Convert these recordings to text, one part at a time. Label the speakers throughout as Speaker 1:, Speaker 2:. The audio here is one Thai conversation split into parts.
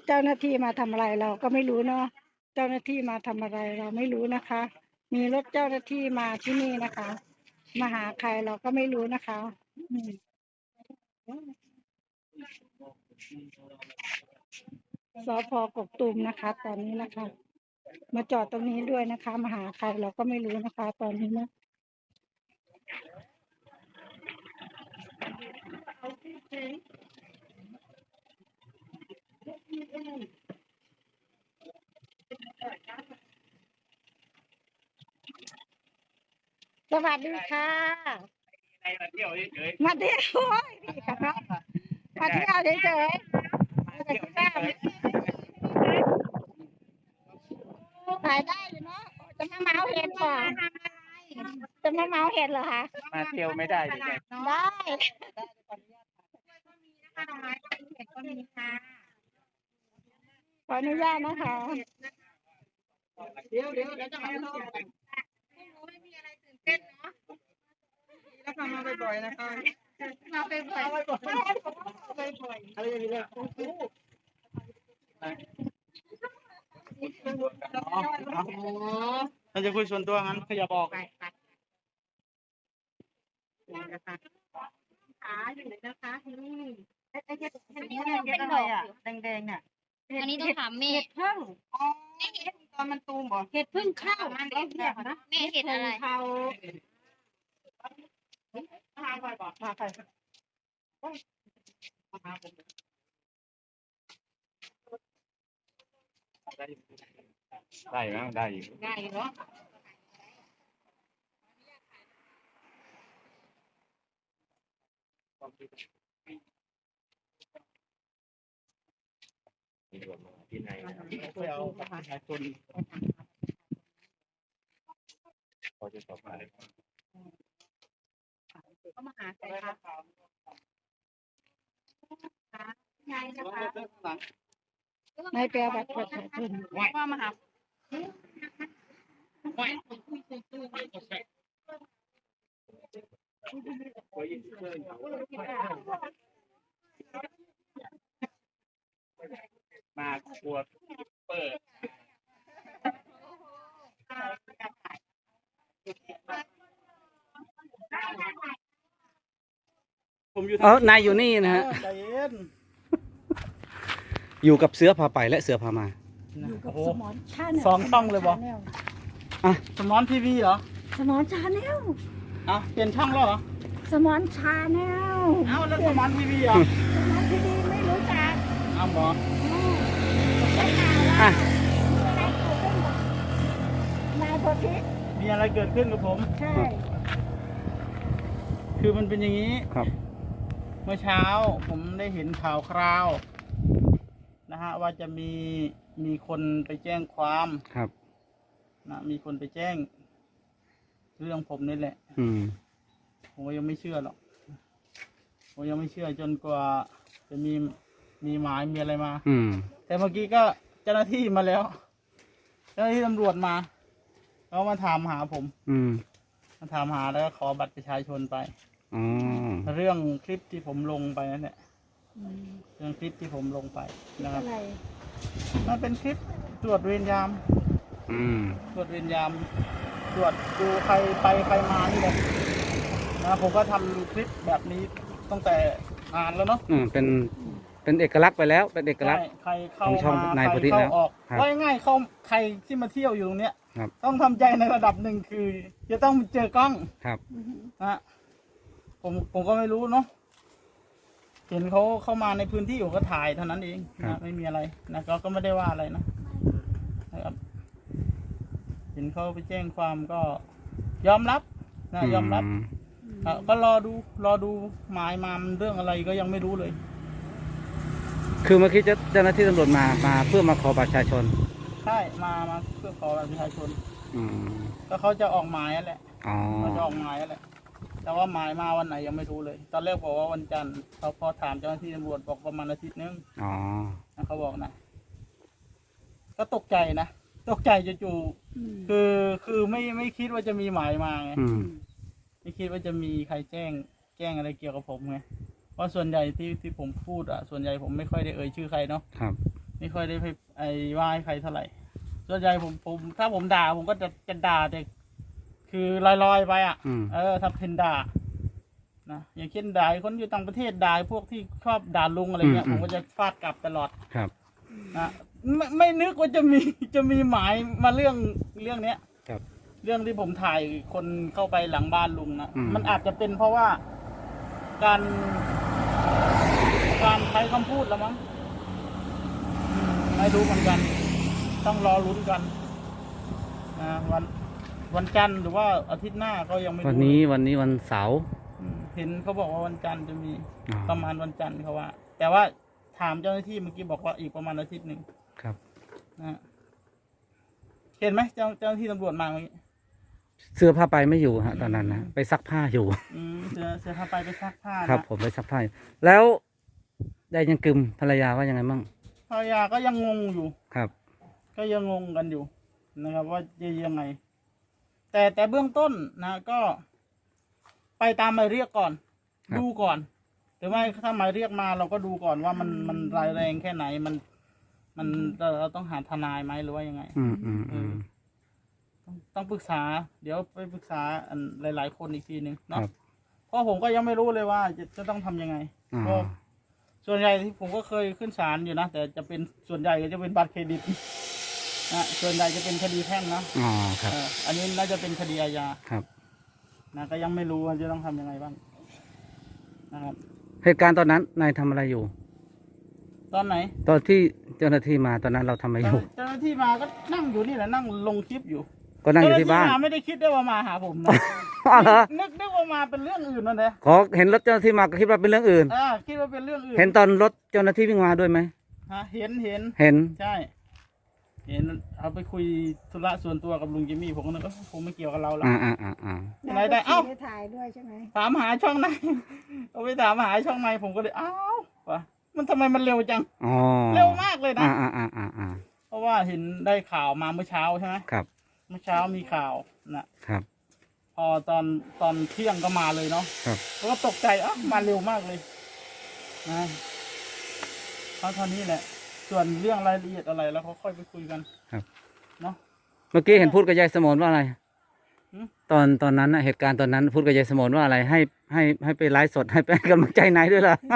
Speaker 1: เจ้าหน้าที่มาทำอะไรเราก็ไม่รู้เนาะเจ้าหน้าที่มาทำอะไรเราไม่รู้นะคะ มีรถเจ้าหน้าที่มาที่นี่นะคะมาหาใครเราก็ไม่รู้นะคะสพ.กกตูมนะคะ ตอนนี้นะคะ มาจอดตรงนี้ด้วยนะคะมาหาใครเราก็ไม่รู้นะคะ ตอนนี้นะสวัสดีค่ะมาเที่ยวเฉยๆมาเที่ยวพี่ค่ะมาเที่ยวเฉยๆถ่ายได้อยู่เนาะจะมาเมาเห็ดก่อนจะมาเมาเห็ดเหรอคะ
Speaker 2: มาเที่ยวไม่ได้ดิ
Speaker 1: ได้ขออนุญาตนะคะเดี๋ยวจะมาลองไม่มีอะไรตื่นเต้นเนาะแล้วทำมาบ่อยๆนะคะมาบ่อยๆอะไรอย่างเงี้ย
Speaker 2: เราจะคุยส่วนตัวงั้นขยับออก
Speaker 1: ขาอยู่ไหนนะคะนี่ไอ้เห็ด
Speaker 2: อะไรอ่ะแดงๆเนี่ย
Speaker 3: อันนี้ต้องถามเมฆ
Speaker 1: เห็ดพึ่งอ๋อเห็ดตอนมันตูมบ่เห็ดพึ่งข้าวมันเรียกนะ
Speaker 3: เมฆเห็ดอะไร
Speaker 1: เขามาใครบอกมาใคร
Speaker 2: ได้ไหมได้อยู่
Speaker 1: ได้เนาะ
Speaker 2: ที่ไหนไปเอาประชาชนเขาจะสอบอะไร
Speaker 1: ก็มาหาใครคะนายนะคะนายแปลบัตรประชาชนว่ามาหา
Speaker 2: มาครัวเปิด
Speaker 4: นายอยู่นี่นะฮะอยู่กับเสือพาไปและเสือพามา
Speaker 1: อยู่กับสมอนชาแนล
Speaker 2: 2 ช่องเลยบอสมอนทีวีเหรอ
Speaker 1: สมอนชาแนล
Speaker 2: เปลี่ยนช่องแล้วเหรอ
Speaker 1: สมอนชาแนล
Speaker 2: แล้วสมอนทีวีเหรอ
Speaker 1: สมอนที่ดีไม่รู้จัก
Speaker 2: หมอ
Speaker 4: อ่ะ
Speaker 1: นายโพธิ
Speaker 2: มีอะไรเกิดขึ้นกับผม
Speaker 1: ใช่
Speaker 2: คือมันเป็นอย่างนี้
Speaker 4: ครับ
Speaker 2: เมื่อเช้าผมได้เห็นข่าวคราวนะฮะว่าจะมีคนไปแจ้งความ
Speaker 4: ครับ
Speaker 2: นะมีคนไปแจ้ง เรื่องผมนี่แหละ ผมก็ยังไม่เชื่อหรอกผมยังไม่เชื่อจนกว่าจะมีหมายมีอะไรมาแต่เมื่อกี้ก็เจ้าหน้าที่มาแล้ว เจ้าหน้าที่ตำรวจมาเขามาถามหาผมมาถามหาแล้วก็ขอบัตรประชาชนไปเรื่องคลิปที่ผมลงไปนั่นแหละเรื่องคลิปที่ผมลงไปนะครับมันเป็นคลิปตรวจเวรยามตรวจเวรยามตรวจดูใครไปใครมานี่แหละนะผมก็ทำคลิปแบบนี้ตั้งแต่นานแล้วเนาะ
Speaker 4: เป็นเอกลักษณ์ไปแล้วเป็นเอกลักษณ์
Speaker 2: ใครเข้า
Speaker 4: ของช่อง
Speaker 2: มาน
Speaker 4: าย
Speaker 2: ใค
Speaker 4: โพ
Speaker 2: ร
Speaker 4: ธิ
Speaker 2: เข้า
Speaker 4: แล้ว
Speaker 2: ออก
Speaker 4: ครับ
Speaker 2: ว่าง่ายๆเขาใครที่มาเที่ยวอยู่ตรงเนี้ย
Speaker 4: ครับ
Speaker 2: ต้องทำใจในระดับหนึ่งคือจะต้องเจอกล้อง
Speaker 4: ครับ
Speaker 2: นะผมก็ไม่รู้เนาะเห็นเขาเข้ามาในพื้นที่อยู่ก็ถ่ายเท่านั้นเองนะไม่มีอะไรนะก็ไม่ได้ว่าอะไรนะครับเห็นเขาไปแจ้งความก็ยอมรับนะยอมรับก็รอดูหมายมามันเรื่องอะไรก็ยังไม่รู้เลย
Speaker 4: คือเมื่อกี้เจ้าหน้าที่ตำรวจมาเพื่อมาขอบัตรประชาชน
Speaker 2: ใช่มาเพื่อขอบัตรประชาชนก็เขาจะออกหมายนั่นแหละเขาจะออกหมายนั่นแหละแต่ว่าหมายมาวันไหนยังไม่รู้เลย ตอนแรกบอกว่าวันจันทร์เขาพอถามเจ้าหน้าที่ตำรวจบอกประมาณอาทิตย์นึงเขาบอกนะก็ตกใจนะตกใจจู่ๆคือไม่คิดว่าจะมีหมายมาไงไม่คิดว่าจะมีใครแจ้งอะไรเกี่ยวกับผมไงเพราะส่วนใหญ่ที่ผมพูดส่วนใหญ่ผมไม่ค่อยได้เอ่ยชื่อใครเนาะ
Speaker 4: ครับ
Speaker 2: ไม่ค่อยได้ไปว่าให้ใครเท่าไหร่ส่วนใหญ่ผมถ้าผมด่าผมก็จะด่าแต่คือลอยๆไปอ่ะถ้าเป็นด่านะอย่างเช่นด่าคนอยู่ต่างประเทศด่าพวกที่ชอบด่าลุงอะไรเงี้ยผมก็จะฟาดกลับตลอด
Speaker 4: ครับ
Speaker 2: นะไม่นึกว่าจะมีหมายมาเรื่องเนี้ย
Speaker 4: ครับ
Speaker 2: เรื่องที่ผมถ่ายคนเข้าไปหลังบ้านลุงนะมันอาจจะเป็นเพราะว่าการใช้คำพูดแล้วมั้งไม่รู้เหมือนกันต้องรอลุ้นกันนะวันจันทร์หรือว่าอาทิตย์หน้าก็ยังไม่รู้
Speaker 4: วันนี้วันเสาร์
Speaker 2: เห็นเขาบอกว่าวันจันทร์จะมีประมาณวันจันทร์เขาว่าแต่ว่าถามเจ้าหน้าที่เมื่อกี้บอกว่าอีกประมาณอาทิตย์หนึ่ง
Speaker 4: ครับ
Speaker 2: นะเห็นไหมเจ้าหน้าที่ตำรวจมาเมื่อกี้
Speaker 4: เสื้อผ้าไปไม่อยู่ฮะตอนนั้นนะไปซักผ้าอยู่
Speaker 2: เสื้อผ้าไปซักผ้า
Speaker 4: ครับผมไปซักผ้าแล้วได้ยังกึมภรรยาว่ายังไงมั่ง
Speaker 2: ภรรยาก็ยังงงอยู่
Speaker 4: ครับ
Speaker 2: ก็ยังงงกันอยู่นะครับว่าจะยังไงแต่เบื้องต้นนะก็ไปตามหมายเรียกก่อนดูก่อนหรือไม่ถ้าหมายเรียกมาเราก็ดูก่อนว่ามันรายแรงแค่ไหนมันเราต้องหาทนายไหมหรือว่ายังไงต้องปรึกษาเดี๋ยวไปปรึกษาหลายๆคนอีกทีหนึ่งเนาะเพราะผมก็ยังไม่รู้เลยว่าจะต้องทำยังไงเพราะส่วนใหญ่ที่ผมก็เคยขึ้นศาลอยู่นะแต่จะเป็นส่วนใหญ่ก็จะเป็นบัตรเครดิตนะส่วนใหญ่จะเป็นคดีแพ่งนะ
Speaker 4: ครับ
Speaker 2: อันนี้น่าจะเป็นคดีอาญา
Speaker 4: ครับ
Speaker 2: นะก็ยังไม่รู้ว่าจะต้องทำยังไงบ้างนะครับ
Speaker 4: เหตุการณ์ตอนนั้นนายทำอะไรอยู่
Speaker 2: ตอนไหน
Speaker 4: ตอนที่เจ้าหน้าที่มาตอนนั้นเราทำอะไรอยู่
Speaker 2: เจ้าหน้าที่มาก็นั่งอยู่นี่แหละนั่งลงคลิปอยู่
Speaker 4: ก็นั่งอยู่ที่บ้าน
Speaker 2: ไม่ได้คิดได้ว่ามาหาผมนะนึกว่ามาเป็นเรื่องอื่นนั่นแหละ
Speaker 4: ขอเห็นรถเจ้าหน้าที่มาก็คิดว่าเป็นเรื่องอื่น
Speaker 2: คิดว่าเป็นเรื่องอื่น
Speaker 4: เห็นตอนรถเจ้าหน้าที่วิ่งมาด้วยไหม
Speaker 2: เห็นใช่เห็นเอาไปคุยธุระส่วนตัวกับลุงจิมมี่ผมก็นึกว่าผมไม่เกี่ยวกับเราแล้วอะไรได้เอ้า
Speaker 1: ถ่ายด้วยใช่ไหม
Speaker 2: ถามหาช่องไหนเอาไปถามหาช่องไหนผมก็เลยวะมันทำไมมันเร็วจังเร็วมากเลยนะเพราะว่าเห็นได้ข่าวมาเมื่อเช้าใช่ไหม
Speaker 4: ครับ
Speaker 2: เมื่อเช้ามีข่าวนะครับพอตอนเที่ยงก็มาเลยเนาะ
Speaker 4: ครับ
Speaker 2: ก็ตกใจมาเร็วมากเลยนะเท่านี้แหละส่วนเรื่องรายละเอียดอะไรแล้วเขาค่อยไปคุยกัน
Speaker 4: ครับ
Speaker 2: เนาะ
Speaker 4: เมื่อกี้เห็นพูดกับยายสมนว่าอะไรตอนนั้นเหตุการณ์ตอนนั้นพูดกับยายสมนว่าอะไรให้ไปไลฟ์สดให้ไปกำลังใจนายด้วยล่ะ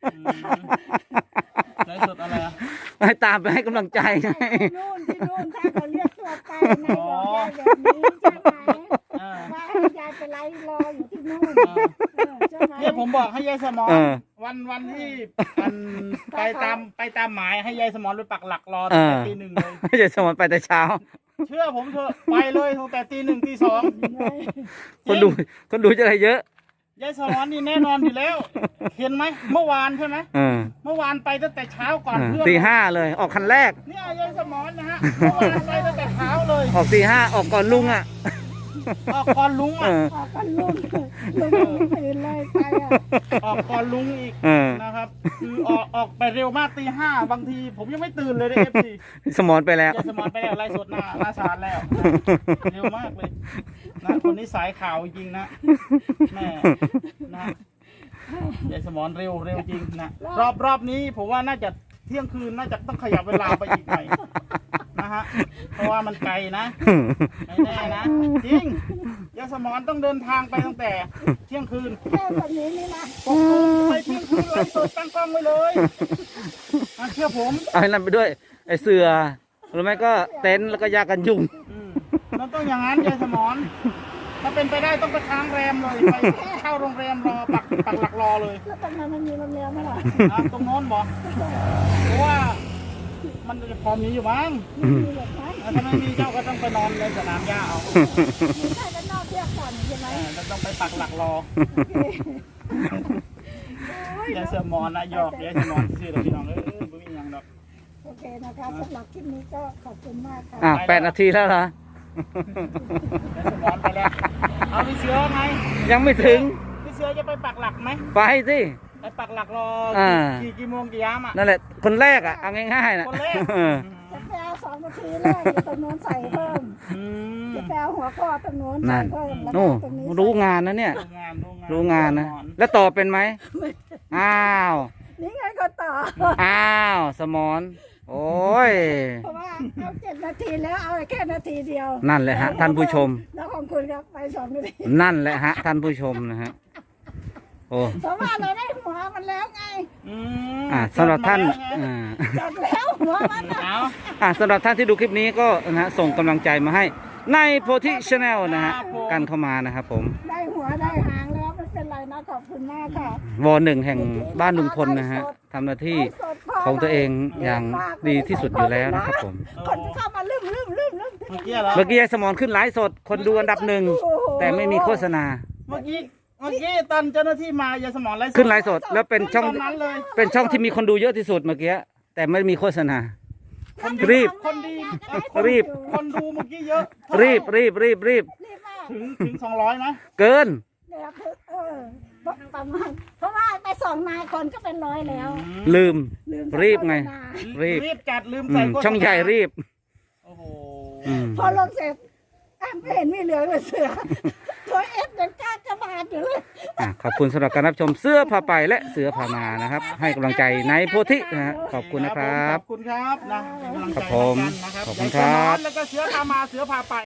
Speaker 2: ไลฟ์สดอะไร
Speaker 4: ให้ตามไปให้กำลังใจ
Speaker 1: ที่นู่นถ้าเขาเรียกตัวไปนายบอกยายแบบนี้ใช่ไหมว่าให้ยายไปไลฟ์รออยู่ที่นู่นใช่ไหม
Speaker 2: เนี่ยผมบอกให้ยายสมรวันที่ไปตามหมายให้ยายสมรไปปักหลักรอตั้งแต่ตี 1เลย
Speaker 4: ยายสมรไปแต่เช้า
Speaker 2: เชื่อผมเถอะไปเลยตั้งแต่ตี 1ตี 2
Speaker 4: คนดูจะอะไรเยอะ
Speaker 2: ยายสมรนี่แน่นอนอยู่แล้วเห็นไหมเมื่อวานใช่ไหมเมื่อวานไปตั้งแต่เช้าก่อนเพื่อน
Speaker 4: ตี 5เลยออกคันแรก
Speaker 2: เนี่ยยายสมรนะฮะเมื่อวานไปตั้งแต่เช้าเลย
Speaker 4: ออกตี 5ออกก่อนลุง
Speaker 2: ออกก่อนลุง
Speaker 1: ออกก่อนลุงตื่นเลยไป
Speaker 2: ออกก่อนลุงอีกนะครับคือออกไปเร็วมากตี 5บางทีผมยังไม่ตื่นเลยได้FP
Speaker 4: สมรไปแล้ว
Speaker 2: สมรไปแล้วไล่สดหน้าศาลแล้วเร็วมากเลยนะคนนี้สายข่าวจริงนะแม่นะยายสมรเร็วจริงนะรอบนี้ผมว่าน่าจะเที่ยงคืนน่าจะต้องขยับเวลาไปอีกหน่อยนะฮะเพราะว่ามันไกลนะไม่แน่นะจริงยายสมรต้องเดินทางไปตั้งแต่เที่ยงคืน
Speaker 1: แค่แบบนี้นี่นะ
Speaker 2: ไปเที่ยงคืนเลยเปิดตั้งกล้องไว้เลยเชื่อผม
Speaker 4: เอาให้นั่นไปด้วยไอ้เสือหรือไม่ก็เต็นท์แล้วก็ยากันยุง
Speaker 2: มันต้องอย่างนั้นยายสมรถ้าเป็นไปได้ต้องไปค้างแรมเลยไปเข้าโรงแรมรอปักหลักรอเลย
Speaker 1: แล้วตรงนั้นมันมีโรงแรมไหมล่ะ
Speaker 2: ตรงโน้นบอกเพราะว่ามันจะพอมีอยู่มั้งถ้าไม่มีเจ้าก็ต้องไปนอนในสนามหญ้าเอา
Speaker 1: มีใครจะนอนเที่ยวก่อนใช่ไหม
Speaker 2: ต้องไปปักหลักรอยายสมรนะหยอกยายสมรชื่อเราพี่น้องไม่มีอย่างดอก
Speaker 1: โอเคนะคะสำหรับคลิปนี้ก็ขอบคุณมากค่ะ
Speaker 4: 8 นาทีแล้วเหรอ
Speaker 2: สมรไปแล้วเอาพี่เสือไง
Speaker 4: ยังไม่ถึง
Speaker 2: พี่เสือจะไปปักหลักไหม
Speaker 4: ไปสิ
Speaker 2: ไปปักหลักรอกี่โมงกี่ยาม
Speaker 4: นั่นแหละคนแรกเอาง่ายๆนะ
Speaker 2: คนแรก
Speaker 1: จะแปล2 นาทีแรกตรงโน้นใส่เพิ่มจะแปลหัวข้อตรงโน้นใส่เพิ่มแล้วตรงนี้
Speaker 4: รู้งานนะเนี่ยรู้งานนะแล้วต่อเป็นไหมอ้าว
Speaker 1: นี่ไงก็ต่อ
Speaker 4: อ้าวสมรโอ้ย
Speaker 1: เพราะว่าเอา7 นาทีแล้วเอาแค่นาทีเดียว
Speaker 4: นั่นแหละฮะท่านผู้ชม
Speaker 1: แล้วของคุณครับไป2 นาที
Speaker 4: นั่นแหละฮะท่านผู้ชมนะฮะโอ้
Speaker 1: เพราะว่าเราได้หัวมันแล้วไง
Speaker 2: อืม
Speaker 4: สำหรับท่าน
Speaker 1: จบแล้วหัวมันน่ะ
Speaker 2: เอา
Speaker 4: สำหรับท่านที่ดูคลิปนี้ก็นะฮะส่งกำลังใจมาให้ในโพธิชาแนลนะฮะกันเข้ามานะครับผม
Speaker 1: ได้หัวได้หางแล้วไม่เป็นไรนะขอบคุณมากค่ะ
Speaker 4: วอหนึ่งแห่งบ้านลุงพลนะฮะทำหน้าที่ของตัวเองอย่างดีที่สุดอยู่แล้วนะครับผม
Speaker 1: คนเข้ามาลืม
Speaker 2: เมื่อกี้เหรอ
Speaker 4: เมื่อกี้ยายสมรขึ้นไลฟ์สดคนดูอันดับหนึ่งแต่ไม่มีโฆษณา
Speaker 2: เมื่อกี้ตอนเจ้าหน้าที่มายายสมรไลฟ์
Speaker 4: ขึ้นไลฟ์สดแล้วเป็นช่อง
Speaker 2: ตอนนั้นเลย
Speaker 4: เป็นช่องที่มีคนดูเยอะที่สุดเมื่อกี้แต่ไม่มีโฆษณา รีบ
Speaker 2: คนดี
Speaker 4: รีบ
Speaker 2: คนดูเมื่อกี้เยอะ
Speaker 4: รีบ
Speaker 1: รีบมาก
Speaker 2: ถึง200นะ
Speaker 4: เกิน
Speaker 1: เนี่ยประมาณเพราะว่าไป2 นายคนก็เป็น100แล้ว
Speaker 4: ลืม
Speaker 1: ลืม
Speaker 4: รีบไง
Speaker 1: โฆษณา
Speaker 4: รีบ
Speaker 2: จัดลืมใส่โฆษณา
Speaker 4: ช่องใหญ่รีบ
Speaker 2: โอ้โห
Speaker 1: พอลงเสร็จไม่เห็นมีเหลือเลยเสือตัวเอฟยังกล้ากระบาดอยู่เลย
Speaker 4: ขอบคุณสำหรับการรับชมเสื้อผ้าไปและเสือผ้ามานะครับ ให้กำลังใจในโพธินะฮะขอบคุณนะครับ
Speaker 2: ขอบคุณครับนะเป็นกำลังใจ
Speaker 4: ครับผม
Speaker 2: ให้กันนะครับ
Speaker 4: ขอบคุณครับ
Speaker 2: แล้วก็เสือพามาเสือพาไป